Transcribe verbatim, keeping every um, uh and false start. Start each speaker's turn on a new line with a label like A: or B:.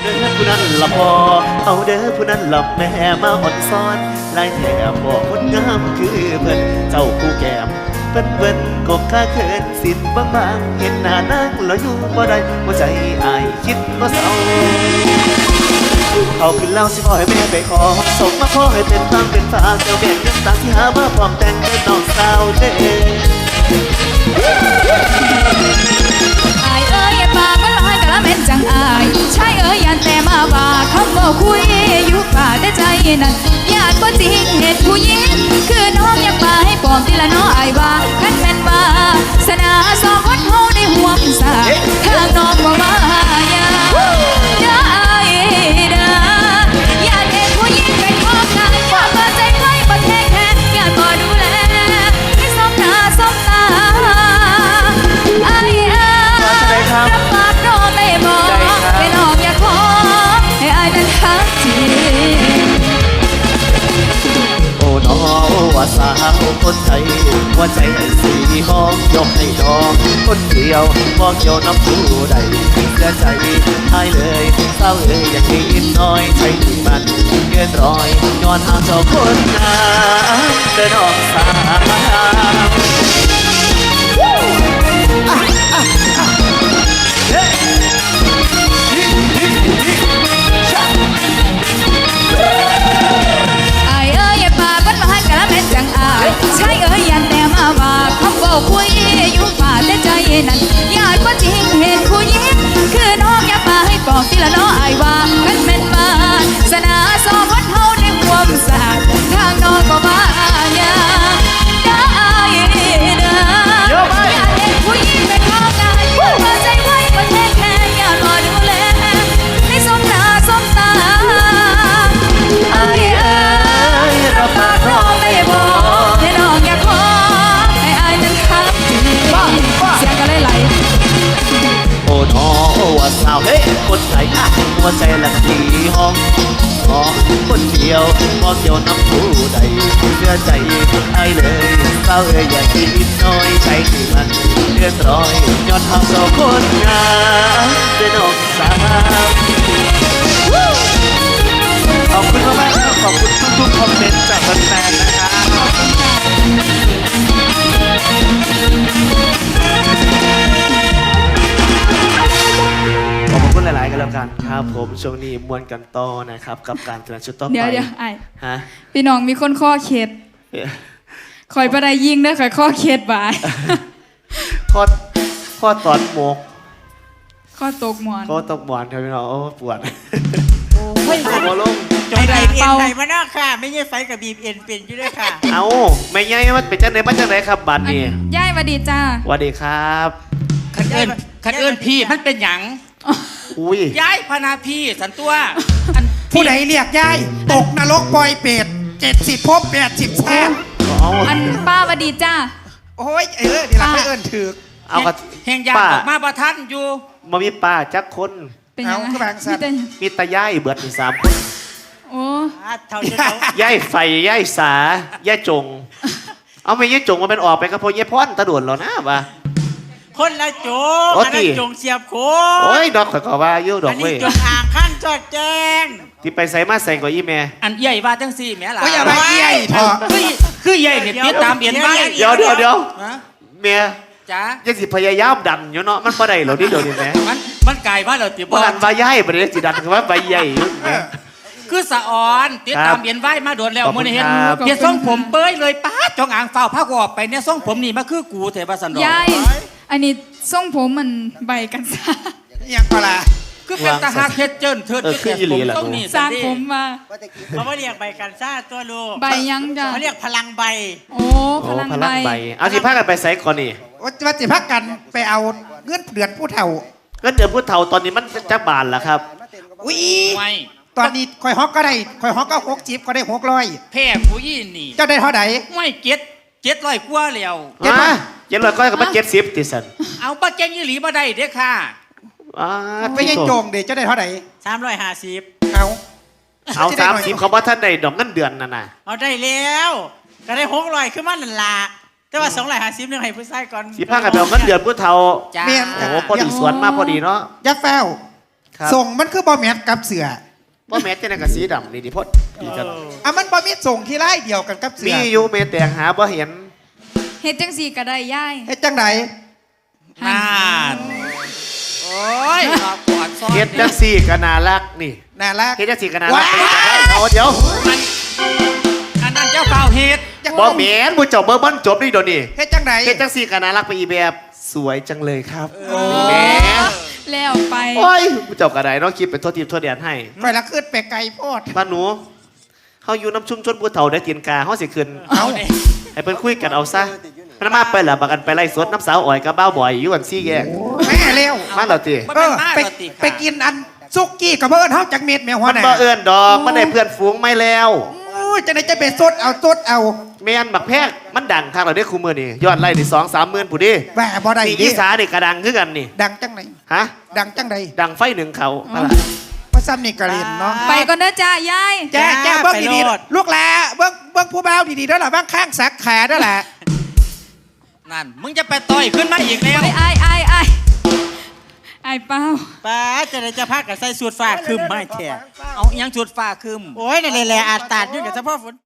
A: เด้อผู้นั้นละพอเอาเด้อผู้นั้นละแม่มาอ่อนซ้อนลายแถบบอกคนงามคือเพิ่นเจ้าผู้แก้มเพิ่นเพิ่นก็ข้าเขินสินบางบางเห็นหน้านั่งแล้วอยู่บ่ได้หัวใจอายคิดบ่เศร้าเอาขึ้นเล่าสิขอให้แม่ไปขอส่งมาขอให้เป็นทางเป็นฝากเจ้าแบ่งเงินต่างที่หามาพร้อมแต่งเป็นน้องสาวเด้
B: อายเอ้ยอย่าปากมันลอยกะละเม็ดจังอายชายเอ้ยยันแต่มาว่าคำว่าคุยอยู่ป่าแต่ใจนั้นญาติบ่จริงเหตุผู้หญิงคือน้องอย่ามาให้ปลอมทีละน้ออายว่าคันแม่นว่าสนาสองคนเฮาได้ห่วงสาทางน้องบ่มาอย่าเด้ออายเด้อญาติเหตุผู้หญิงเป็นของกายว่าบ่ใจไว้บ่แท้แค่ญาติบ่ดูแลให้สมหน้าสมตาอายเอ้ยรับปากน้องได้บ่ให้น้องอย่าขอให้อายนั้นทักจริง
A: โอ้น้อว่าสาวคนไทยหัวใจให้สีห้องยกให้น้องคนเดียวมองเกี่ยวน้ำผู้ใดเสียใจหายเลยเศร้าเลยอย่างนี้น้อยใจที่มันเกินร้อยย้อนหาเจ้าคนงามเดินออกสาม
B: จังอายใช่เอ้ยยันแต่มาว่าคำว่าคุยอยู่ป่าแต่ใจนั้นญาติว่าจริงเห็นผู้หญิงคือน้องอย่ามาให้ปอกทีละน้ออายว่ากันแม่นมาสนาสองคนเฮาในความสะอาดทางน้องก็มาอย่าได้เด้อญาติเห็นผู้หญิงเป็นของกายเปิดใจไว้ประเทศแค่ญาติรอดูแลให้สมหน้าสมตาอายเอ้ยรับปากน้องได้บ่ให้น้องอย่าขอให้อายนั้นทักจริงเสียงก็ไหล
A: โอ้น้อว่าสาวเฮ้คนไทยหัวใจละสีห้องอ๋อคนเดียวมองเกี่ยวน้ำผู้ใดเชื่อใจไอ้เลยเศร้าเอ้ยอย่าคิดน้อยใจที่มันเดือดร้อยย้อนทางสองคนงามด้วยน้องสาวขอบคุณมากๆครับขอบคุณทุกๆคอมเมนต์จากแฟนๆนะครับขอบคุณหลายๆกันแล้วกันครับผมช่วงนี้มวนกันต่อนะครับกับการแสดงชุดต่อไป
B: เดี๋ยวเดี๋ยวไอ้
A: ฮะ
B: พี่น้องมีคนข้อเข็ดคอยประดายยิงได้คอยข้อเข็ดบ่าย
A: ข้อข้อตอนหมก
B: ข้อตกหมอน
A: ข้อตกหมอนครับพี่น้องโอ้ปวด
C: โอ้ย
A: หัวลง
C: จอยบีบเอ็นไหนมาหน้าค่ะไม่ใช่ไฟกับบีบเอ็นเป็นอยู่ด้วยค่ะ
A: เอาไม่ใช่มันเป็นจังไหนมาจังไหนครับบัตรนี่
B: ย่ายสวัสดีจ้า
A: สวัสดีครับ
D: คันเอิญคันเอิญพี่มันเป็นหยัง
A: อุ้ย
D: ย้ายพนาพี่สันตัว
E: ผู้ใดเรียกย้ายตกนรกปล่อยเปรตเจ็ดสิบภพแปดสิบชาติ
B: อันป้าสวัสดีจ้า
E: โอ้ยเออนี่ละไม่เอิญถือ
D: เอากระแห่งยาออกมาประทันอยู่
A: มามีป้าจักคน
B: เป็นยังไง
A: มีตาย่ายเบิดมีสามคน
B: โอ้
A: ย่ายไฟย่ายสาย่ายจงเอาไม่ย่ายจงมาเป็นออกไปก็พอย่ายพ่อนตะด่วนแล้วนะบ่า
C: คนละจงอันนั้นจงเสียบโค
A: โอ้ยดอกข่อยก็ว่าอยู่ดอกเว้ย
C: อันนี้จงอ่างขั้นจอดแจ้ง
A: ที่ไปใส่มาใส่กว่าอีแม่
D: อันใหญ่ว่าจังสี่แม่ล่ะ
E: โอ้ยอย่าไปใหญ่เถอะ
D: คือคือใหญ่เนี่ยติดตามเปลี่ยนไว้
A: เดี๋ยวเดี๋ยวเดี๋ยวแม่
D: จ้า
A: ยังสิพยายามดันอยู่เนาะมันบ่ได้หรอกนี่เดี๋ยวนี้แม่
D: มันมันไกลว่าเราติด
A: บ่ดันว่าใหญ่บ่ได้สิดันคือว่าใบใหญ่
D: คือสะออนติดตามเปลี่ยนไว้มาโดนแล้วมื้อนี้เห็นเฮ็ดทรงผมเป้ยเลยป๊าจงอ่างเฝ้าผ้ากูออกไปเนี่ยทรงผมนี่มาคือกูเถอะว่าซั่นดอก
B: ยายอันนี้ทรงผมมันใบกันซะ
E: ยังก็ล่ะ
D: คือเป็นตาหักเฮ็ดเจิ้นเทิด
A: คืออีหลีล่ะต้อง
B: สร้างผมมา
C: เขาบ่เรียกใบกันซ่าตัวลูก
B: ใบยังจ้ะ
C: เขาเรียกพลังใบ
B: โอ้พลังใบ
A: เอาสิพากันไปไสก่อนนี่
E: ว่าสิพากันไปเอาเงินเดือนผู้เฒ่า
A: เงินเดือนผู้เฒ่าตอนนี้มันจักบาทล่ะครับ
E: อุ้ยตอนนี้คอยฮอกก็ได้คอยฮอกก็หกจิบก็ได้หกร้อย
D: แพ้ผู้ยี่นี่
E: เจ้าได้เท่าไหร่
D: ไม่เจ็ดเจ็ดร้อยกว่าแล้ว
A: เจ็ดร้อยเจ็ดร้อยก็กับเจ็ดสิบติสัน
D: เอาป้าแกงยี่หลีมาได้เด้อค่ะ
E: ไม่ใช่โจงเดี๋ยวเจ้าได้เท่าไหร่
C: สามร้อยห้าสิบ
E: เอา
A: เอาสามสิบเขาบอกท่านได้ดอกเงินเดือนนั่นน่ะ
C: เอาได้แล้วก็ได้หกร้อยขึ้นมาหนึ่งละแต่ว่าสองร้อยห้าสิบนึงให้ผู้ชายก่อน
A: สิพากันไปเอาเงินเดือนผู้เฒ่าโอ้พอดีสวนมาพอดีเนาะ
E: ยักษ์แฟว
A: คครับ
E: ส่งมันคือบอแมทกับเสือ
A: ว่าแม้แต่ในกระสีดำนี่ดิพดดีจัง
E: อ่ะมันบอมีส่งที่ไล่เดียวกันกับเสื
A: มี
E: อ
A: อยู่เมแต่งหาบ่เห็น
B: เฮ็ดจังสี่ก็ได้ยาย
E: เฮ็ดจังได
D: น่านโอ้ยรอบก่อนซ้อน
A: เฮ็ดจังสี่ก็น่ารักนี่
E: น่ารัก
A: เฮ็ดจังสี่ก็น่ารัก
E: ว้าย
A: เอาเดี๋ยว
D: มันอันนั้นเจ้าเปล่าเฮ็ด
A: บ่แม่นผู้เจ้าเบิ่งมันจบนี่เดี๋ยวนี้
E: เฮ็ดจังได
A: เฮ็ดจังสี่ก็น่ารักไปอีแบบสวยจังเลยครับ
B: โอ้
A: แหม
B: แล้วไป
A: โอ้ยผู้เจ้าก็ได้เนาะคิดเป็นโทษทีโทษแดนให้
E: ไปละขึ้นไปไกลโพด
A: บ้านหนูเฮาอยู่น้ำชุ่มชนผู้เฒ่าได้ตีนกาเฮาสิขึ้น
D: เอาเนี่ย
A: ให้เพิ่นคุยกันเอาซะมันมาไปล่ะบักกันไปไล่สดน้ำสาวอ้อยกับบ้าวบ่อยอยู่กันซี่แยก
E: แม่เร็ว
A: มาแล้วติ
D: มัน
E: เอ
D: เป็น
E: อ
D: มา
E: ไป
D: กติ
E: ไปกินอันซุกี้กับเบิร์ดเฮาจักเม็ดแม่หัว
A: มัน
E: หน้า
A: บ่เอื้อนดอกมันได้เพื่อนฝูงไม่แล้ว
E: อู้จะได้จะไปสดเอาสดเอา
A: แม่นบักแพกมันดังทางเราได้คู่มือนี่ยอดไล่นี่สองสามหมื่นผู้ดิ
E: แหวบ่ได้
A: นี่
E: ดิ
A: อีสานี่กระดังคือกันนี่
E: ดังจังไหน
A: ฮะ
E: ดังจังใด
A: ดังไฟหนึ่งเขาอะไร
E: พระซ้ำนี่กระเรียนเนาะ
B: ไปก่อนเด้อจ้ายาย
E: แจ้แจ้เบิ้งดีๆลูกหลาเบิ้งเบิ้งผู้บ่าวดีๆด้วยล่ะบ้างข้างสักขาด้วยล่ะ
D: นั่นมึงจะไปต่อยขึ้นมาอีกแล้ว
B: ไอ้ไอ้ไอ้ไอ้ไอ้เป้า
C: ป้าจะได้จะพักกับใส่สูตรฟ้าคืมไม่แท้
D: เอาอิหยังจุดฟ้าคืม
C: โอ้ยนั่นแหละอาจตาดอยู่กับเฉพาะฝน